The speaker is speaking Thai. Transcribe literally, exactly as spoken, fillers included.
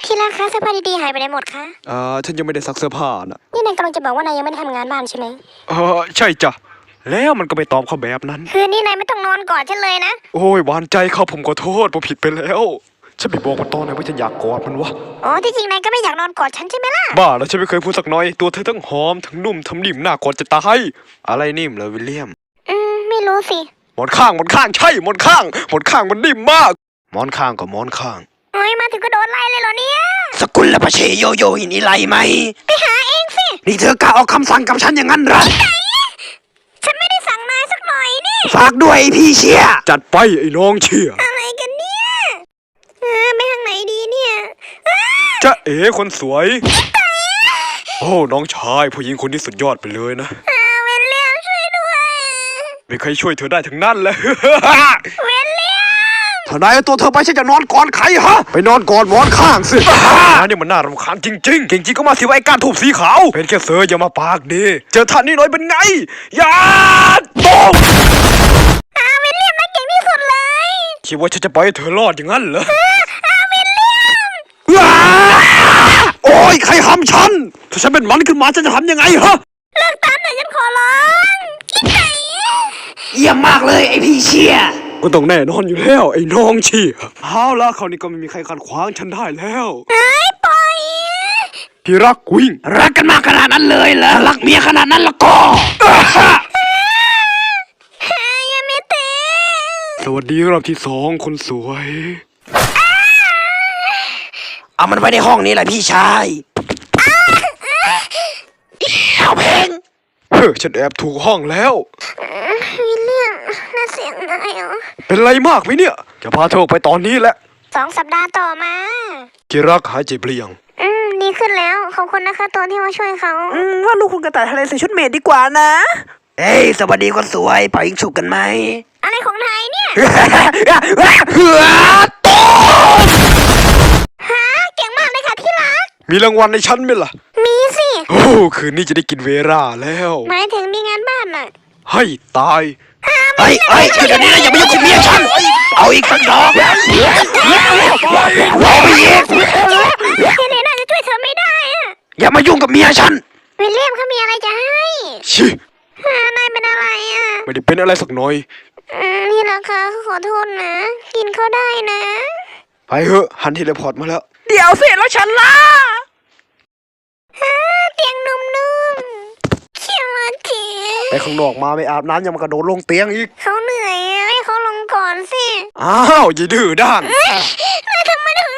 ที่รักคะเสื้อผ้าดีๆหายไปไหนหมดคะเอ่อฉันยังไม่ได้ซักเสื้อผ้านะนี่นายกำลังจะบอกว่านายยังไม่ได้ทำงานบ้านใช่ไหมเออใช่จ้ะแล้วมันก็ไปตอบเขาแบบนั้นคืนนี้นายไม่ต้องนอนกอดฉันเลยนะโอ้ยหวานใจเขาผมขอโทษผมผิดไปแล้วฉันไปบอกมันตอนไหนว่าฉันอยากกอดมันวะอ๋อที่จริงนายก็ไม่อยากนอนกอดฉันใช่ไหมล่ะบ้าแล้วฉันไม่เคยพูดสักน้อยตัวเธอทั้งหอมทั้งนุ่มทั้งนิ่มน่ากอดจะตายอะไรนิ่มเหรอวิลเลียมอืมไม่รู้สิหมอนข้างหมอนข้างใช่หมอนข้างหมอนข้างมันนิ่มมากหมอนข้างกับหมอนข้างเฮ้ยมาถึงก็โดนไล่เลยเหรอเนี่ยสกุลและพระเชโยโยหินี่ไล่ไหมไปหาเองสินี่เธอกล้าออกคำสั่งกับฉันอย่างนั้นเหรอฉันไม่ได้สั่งนายสักหน่อยนี่ฝากด้วยพี่เชียจัดไปไอ้น้องเชียอะไรกันเนี่ยเออไปทางไหนดีเนี่ยจะเอ๋คนสวยโอ้น้องชายผู้หญิงคนนี้สุดยอดไปเลยนะเวลเลียมช่วยด้วยไม่เคยช่วยเธอได้ทั้งนั้นเลยเวลเลียมถ้านายเอาตัวเธอไปฉันจะนอนก่อนใครฮะไปนอนก่อนหมอนข้างสินายนี่มันน่ารำคาญจริงๆเก่งจริงก็มาสิว่าไอ้ก้านทูบสีขาวเป็นแค่เสืออย่ามาปากดีเจอท่านนี่หน่อยเป็นไงอย่าตกอาเวลเลียมน่าเก่งที่สุดเลยคิดว่าฉันจะปล่อยให้เธอรอดอย่างนั้นเหรออาเวลเลียมโอ้ยใครทำฉันถ้าฉันเป็นมันขึ้นมาฉันจะทำยังไงฮะเลิกตามหน่อยฉันขอร้องคิดไหนเยี่ยมมากเลยไอพี่เชียก็ต้องแน่นอนอยู่แล้วไอ้น้องเชียเอาละคราวนี้ก็ไม่มีใครขัดขวางฉันได้แล้วไอ้ปล่อยพี่รักวิ่งรักกันมากขนาดนั้นเลยเหรอรักเมียขนาดนั้นละก็ยังไม่เตะสวัสดีรอบที่สองคนสวยเอามันไว้ในห้องนี้แหละพี่ชายเอาเพลงเฮ้ยฉันแอบถูกห้องแล้ววิลเลียมน่าเสียงนายเหรอเป็นไรมากไหมเนี่ยจะพาเธอออกไปตอนนี้แหละสองสัปดาห์ต่อมาที่รักหายเจ็บหรือยังอืมดีขึ้นแล้วขอบคุณนะคะตัวที่มาช่วยเขาอืมว่าลูกคุณกระต่ายทะเลใส่ชุดเมดดีกว่านะเอ้ยสวัสดีคนสวยไปยิงฉุกกันไหมอะไรของนายเนี่ยโตฮะเก่งมากเลยค่ะที่รักมีรางวัลในชั้นไหมล่ะมีสิโอ้คืนนี้จะได้กินเวราแล้วหมายถึงมีงานบ้านน่ะให้ตายไอ้ไอ้เดี๋ยวนี้นะอย่ามายุ่งกับเมียฉันเอาอีกสักดอกเอาไปอีกเฮเลน่าจะช่วยเธอไม่ได้อะอย่ามายุ่งกับเมียฉันวิลเลียมเขามีอะไรจะให้ชินายเป็นอะไรอ่ะไม่ได้เป็นอะไรสักหน่อยนี่ราคาขอโทษนะกินเขาได้นะไปเถอะฮันทีเลพอร์ตมาแล้วเดี๋ยวสิแล้วฉันล่ะเตียงนุ่มๆเขียวจีไปข้างนอกมาไม่อาบน้ำยังมากระโดดลงเตียงอีกเขาเหนื่อยให้เขาลงก่อนสิอ้าวอย่าดื้อด้านนายทำไมถึง